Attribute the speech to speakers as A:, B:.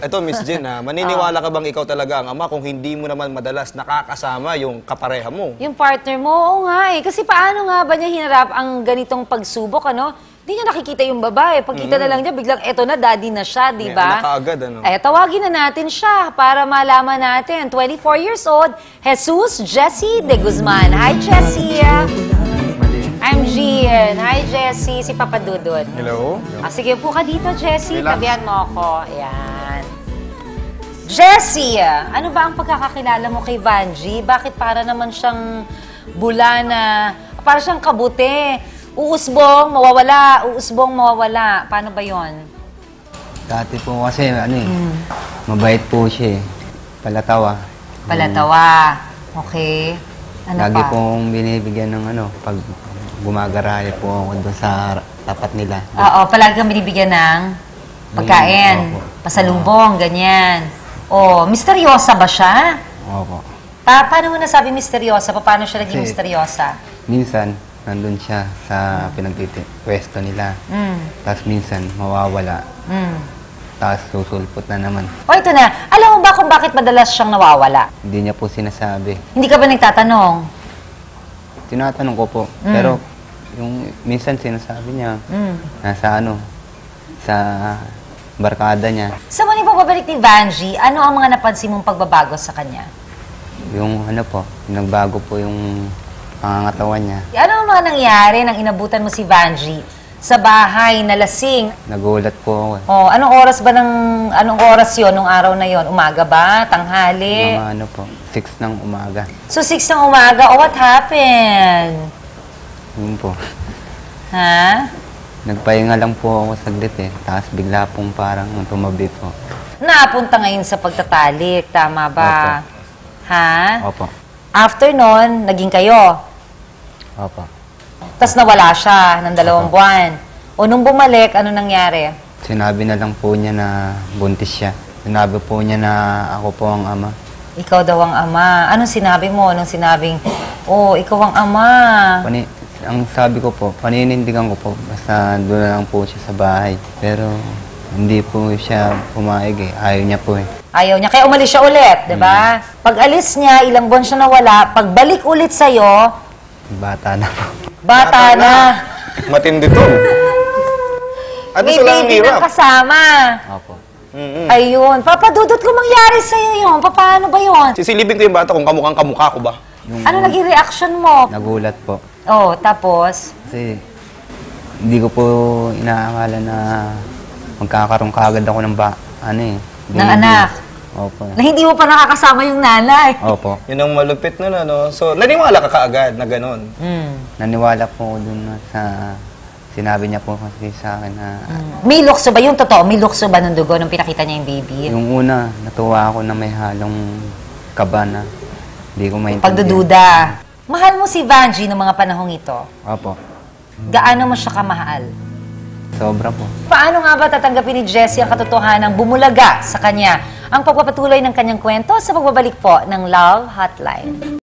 A: Ito, Miss Jen, maniniwala ka bang ikaw talaga ang ama kung hindi mo naman madalas nakakasama yung kapareha mo?
B: Yung partner mo, oo nga eh. Kasi paano nga ba niya hinarap ang ganitong pagsubok, ano? Hindi niya nakikita yung babae. Pagkita na lang niya, biglang eto na, daddy na siya, di ba?
A: May anak kaagad, ano?
B: Eh, tawagin na natin siya para malaman natin. 24 years old, Jesus Jessie de Guzman. Hi, Jessie. I'm Gian. Hi, Jessie. Si Papa Dudut.
A: Hello?
B: Sige po ka dito, Jessie.
A: Relax.
B: Tabihan mo ako. Ayan. Jessie, ano ba ang pagkakakilala mo kay Vanji? Bakit para naman siyang bula na, para siyang kabute? Uusbong, mawawala. Uusbong, mawawala. Paano ba yon?
C: Dati po kasi, mabait po siya eh. Palatawa.
B: Palatawa. Okay. Ano
C: Lagi
B: pa?
C: pong binibigyan ng pag gumagaraya po ako doon sa tapat nila.
B: Oo, palagi kang binibigyan ng pagkain,
C: Opo.
B: pasalubong, ganyan. Oh, misteryosa ba siya?
C: Opo.
B: Paano mo nasabi misteryosa? Paano siya naging
C: Kasi-
B: misteryosa?
C: Minsan, nandun siya sa pwesto nila. Tapos minsan, mawawala. Tapos susulpot na naman.
B: O ito na, alam mo ba kung bakit madalas siyang nawawala?
C: Hindi niya po sinasabi.
B: Hindi ka ba nagtatanong?
C: Tinatanong ko po. Pero, yung minsan sinasabi niya, nasa sa barkada niya.
B: Sa muling pagbabalik ni Vanji, ano ang mga napansin mong pagbabago sa kanya?
C: Yung nagbago po yung pangangatawan niya.
B: Ano ang mga nangyari nang inabutan mo si Vanji sa bahay na lasing?
C: Nagulat po ako.
B: Oh, anong oras 'yon nung araw na 'yon? Umaga ba? Tanghali?
C: Mga 6 ng umaga.
B: So 6 ng umaga, oh, what happened?
C: Yun po.
B: Ha?
C: Nagpahinga lang po ako saglit eh. Tapos bigla pong parang tumabi po.
B: Napunta ngayon sa pagtatalik, tama ba?
C: Opo.
B: Ha?
C: Opo.
B: After nun, naging kayo.
C: Opo.
B: Tapos nawala siya ng 2 buwan. O nung bumalik, ano nangyari?
C: Sinabi na lang po niya na buntis siya. Sinabi po niya na ako po ang ama.
B: Ikaw daw ang ama. Anong sinabi mo? Anong sinabing, oh, ikaw ang ama.
C: Ang sabi ko po, paninindigan ko po. Basta doon na lang po siya sa bahay. Pero hindi po siya pumayag eh. Ayaw niya po eh.
B: Ayaw niya. Kaya umalis siya ulit, di ba? Pag alis niya, ilang buwan siya nawala. Pagbalik ulit sa'yo,
C: Bata na po.
B: bata na.
A: Matindi to. At
B: May
A: sila ang
B: baby na
A: hirap.
B: kasama.
C: Opo.
B: Ayun. Papadudot ko mangyari sa'yo yun. Paano ba yun?
A: Sisilipin ko yung bata kung kamukhang kamukha ko ba?
B: Ano naging reaction mo?
C: Nagulat po.
B: Oh, tapos?
C: Kasi hindi ko po inaakala na magkakaroon kaagad ako ng
B: Ng
C: baby.
B: anak.
C: Opo.
B: Na hindi mo pa nakakasama yung nanay.
C: Opo.
A: Yun ang malupit nun, ano? So, naniwala ka kaagad na ganun.
C: Naniwala po ako dun sa sinabi niya po kasi sa akin na
B: May lukso ba? Yung totoo, may lukso ba ng dugo nung pinakita niya yung baby?
C: yung una, natuwa ako na may halong kaba na hindi ko maintindihan.
B: Pagdududa. Mahal mo si Vanji noong mga panahong ito.
C: Opo.
B: Gaano mo siya kamahal?
C: Sobra po.
B: Paano nga ba tatanggapin ni Jessie ang katotohanan bumulaga sa kanya ang pagpapatuloy ng kanyang kwento sa pagbabalik po ng Love Hotline?